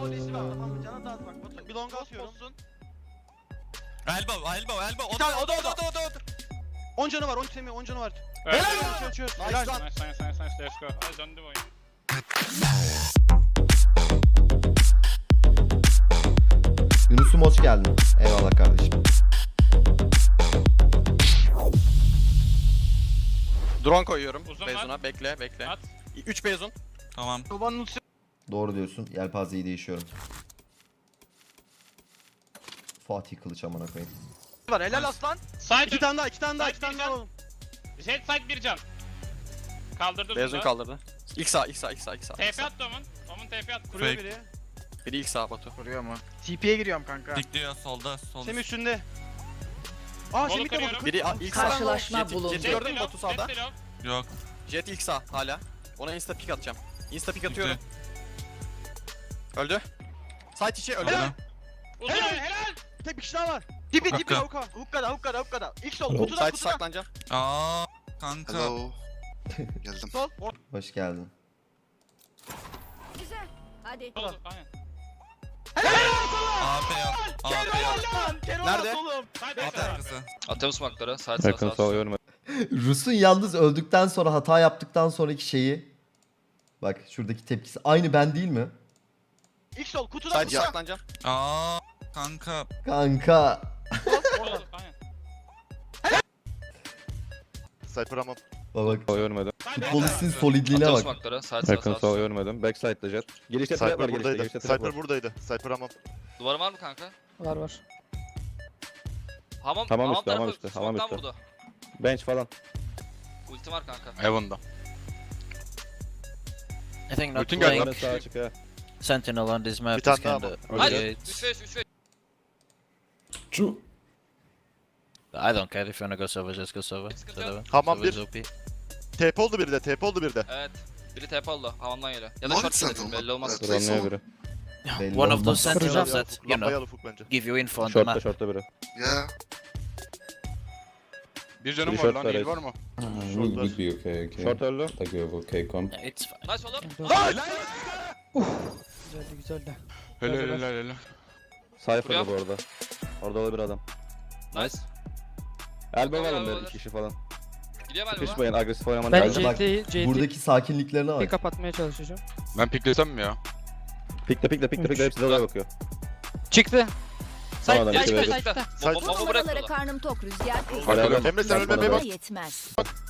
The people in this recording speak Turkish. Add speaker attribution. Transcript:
Speaker 1: O desi var. Tamam canı da az bak. Batu bir longa atıyorum.
Speaker 2: Elbow.
Speaker 1: Bir tane o da. 10 canı var 10 temi 10 canı var. Helal çöz. Helal.
Speaker 3: Nice. Let's go. Hadi döndü bu oyun.
Speaker 4: Yunus'um hoş geldin. Eyvallah kardeşim.
Speaker 2: Drone koyuyorum.
Speaker 3: Uzun
Speaker 2: Beyzun'a
Speaker 3: var.
Speaker 2: bekle.
Speaker 3: At.
Speaker 2: 3 Beyzun.
Speaker 5: Tamam.
Speaker 1: Babanın ultisi
Speaker 4: Doğru diyorsun. Yelpazeyi değişiyorum. Fatih Kılıç amına koyayım.
Speaker 1: var. Helal aslan.
Speaker 3: Side
Speaker 1: 2 tane daha.
Speaker 3: Side bir can.
Speaker 1: oğlum.
Speaker 3: Jet side bir can. Kaldırdı
Speaker 2: Beyzun
Speaker 3: uzunda.
Speaker 2: kaldırdı. İlk sağ.
Speaker 3: TP attı Omun. Omun TP attı.
Speaker 1: Kuruyor
Speaker 5: Fake.
Speaker 1: biri.
Speaker 2: Biri ilk sağ Batu.
Speaker 1: Kuruyor mu? TP'ye giriyorum kanka.
Speaker 5: Dikliyor solda. Sol.
Speaker 1: Semih üstünde. Aa
Speaker 3: Bolu
Speaker 1: Semih de
Speaker 3: kırıyorum.
Speaker 1: vurdu.
Speaker 2: Biri ilk sağ.
Speaker 6: Karşılaşma
Speaker 2: Jet
Speaker 6: bulundu.
Speaker 2: gördün mü Batu sağda?
Speaker 3: Jet below.
Speaker 5: Yok.
Speaker 2: Jet ilk sağ hala. Ona insta pick atacağım. Insta pick atıyorum. Öldü. Site içi öldü.
Speaker 1: Helal.
Speaker 3: Uzun.
Speaker 1: Helal. Tek bir kişi daha var. Dibi
Speaker 5: Hukka.
Speaker 1: Hukkada. İlk sol kutudan
Speaker 2: Site saklanacağım.
Speaker 5: Aa kanka.
Speaker 7: Hello. Geldim.
Speaker 1: Sol.
Speaker 4: Hoş geldin.
Speaker 6: Güzel. Hadi.
Speaker 3: Oldu, aynen.
Speaker 5: AP yap. AP yap.
Speaker 2: Nerede?
Speaker 3: Side
Speaker 5: AP arkası.
Speaker 8: Atıyorum smoke'ları. Side sağ.
Speaker 4: Rus'un yalnız öldükten sonra hata yaptıktan sonraki şeyi. Bak şuradaki tepkisi aynı ben değil mi?
Speaker 1: İlk sol kutudan
Speaker 2: Site saklanacağım.
Speaker 5: Aa kanka.
Speaker 4: Kanka.
Speaker 3: Oldu, aynen.
Speaker 7: Cypher ama
Speaker 4: Bak
Speaker 9: Görmedim.
Speaker 4: futbolistin solidliğine
Speaker 8: Atıyorum
Speaker 4: bak.
Speaker 8: smoke'ları. Side
Speaker 9: Yakın
Speaker 8: sağ.
Speaker 9: sol görmedim. Backside'da jet. Girişte trap var
Speaker 7: Cypher buradaydı.
Speaker 9: girişte trap
Speaker 7: Cypher
Speaker 9: var.
Speaker 7: buradaydı. Cypher ama
Speaker 8: Duvarı var mı kanka?
Speaker 6: Var.
Speaker 8: Hamam
Speaker 9: Hamam üstü,
Speaker 8: tarafı
Speaker 9: hamam üstü, hamam
Speaker 8: smoke'tan
Speaker 9: üstü.
Speaker 8: vurdu.
Speaker 9: Bench falan.
Speaker 8: Ulti var kanka.
Speaker 5: Heaven'da.
Speaker 6: I think not
Speaker 5: Bütün
Speaker 6: playing
Speaker 9: Sonra sağa çık ha.
Speaker 6: Sentinel on this map
Speaker 7: Bir tane
Speaker 6: is
Speaker 7: daha
Speaker 6: kinda...
Speaker 8: Hadi 3-5.
Speaker 6: I don't care if you wanna go server, just go server.
Speaker 8: Sıkıntı yok.
Speaker 7: Hamam
Speaker 6: Server
Speaker 7: bir.
Speaker 6: is OP.
Speaker 7: TP oldu biri de. TP oldu biri de.
Speaker 8: Evet. Biri TP oldu. Hamamdan geliyor. Ya da
Speaker 7: North
Speaker 8: short
Speaker 7: Sentinel
Speaker 8: gelebilir
Speaker 7: mi?
Speaker 8: belli olmaz.
Speaker 7: Evet.
Speaker 9: Dronluyor biri.
Speaker 4: Belli
Speaker 6: One of
Speaker 4: olmaz.
Speaker 6: those sentinels that, you
Speaker 7: Lambayı
Speaker 6: know,
Speaker 7: al ufuk bence.
Speaker 6: give you info on the
Speaker 9: Short'ta
Speaker 6: map.
Speaker 9: short'ta biri.
Speaker 7: Ya.
Speaker 5: Bir canım
Speaker 9: Bir
Speaker 5: var
Speaker 9: short
Speaker 5: lan.
Speaker 9: var,
Speaker 5: Heal var mı?
Speaker 7: Short var.
Speaker 10: okay.
Speaker 9: Short öldü.
Speaker 10: Like you have okay comp.
Speaker 6: It's fine.
Speaker 8: Nice oğlum.
Speaker 5: Helal.
Speaker 9: Cypher'da bu arada. Orada olabilir adam.
Speaker 8: Nice.
Speaker 9: Elbow var
Speaker 8: Olabilir.
Speaker 9: mı? 2 kişi falan.
Speaker 8: Gidiyor galiba.
Speaker 9: Sıkışmayın agresif oynamanı
Speaker 4: Ben
Speaker 9: lazım.
Speaker 4: bak buradaki sakinliklerine bak.
Speaker 11: kapatmaya çalışacağım.
Speaker 5: Ben piklesem mi ya?
Speaker 9: Pikle hepsi de oraya bakıyor.
Speaker 11: Çıktı.
Speaker 9: Sonradan
Speaker 8: Ya
Speaker 9: iki
Speaker 8: çıktı
Speaker 9: ve
Speaker 8: çıktı.
Speaker 7: Side-
Speaker 8: Bomba bırakıyorlar.
Speaker 6: karnım tok rüzgar.
Speaker 9: Hala
Speaker 7: Emre sen ölmemeye bak.
Speaker 6: Yetmez.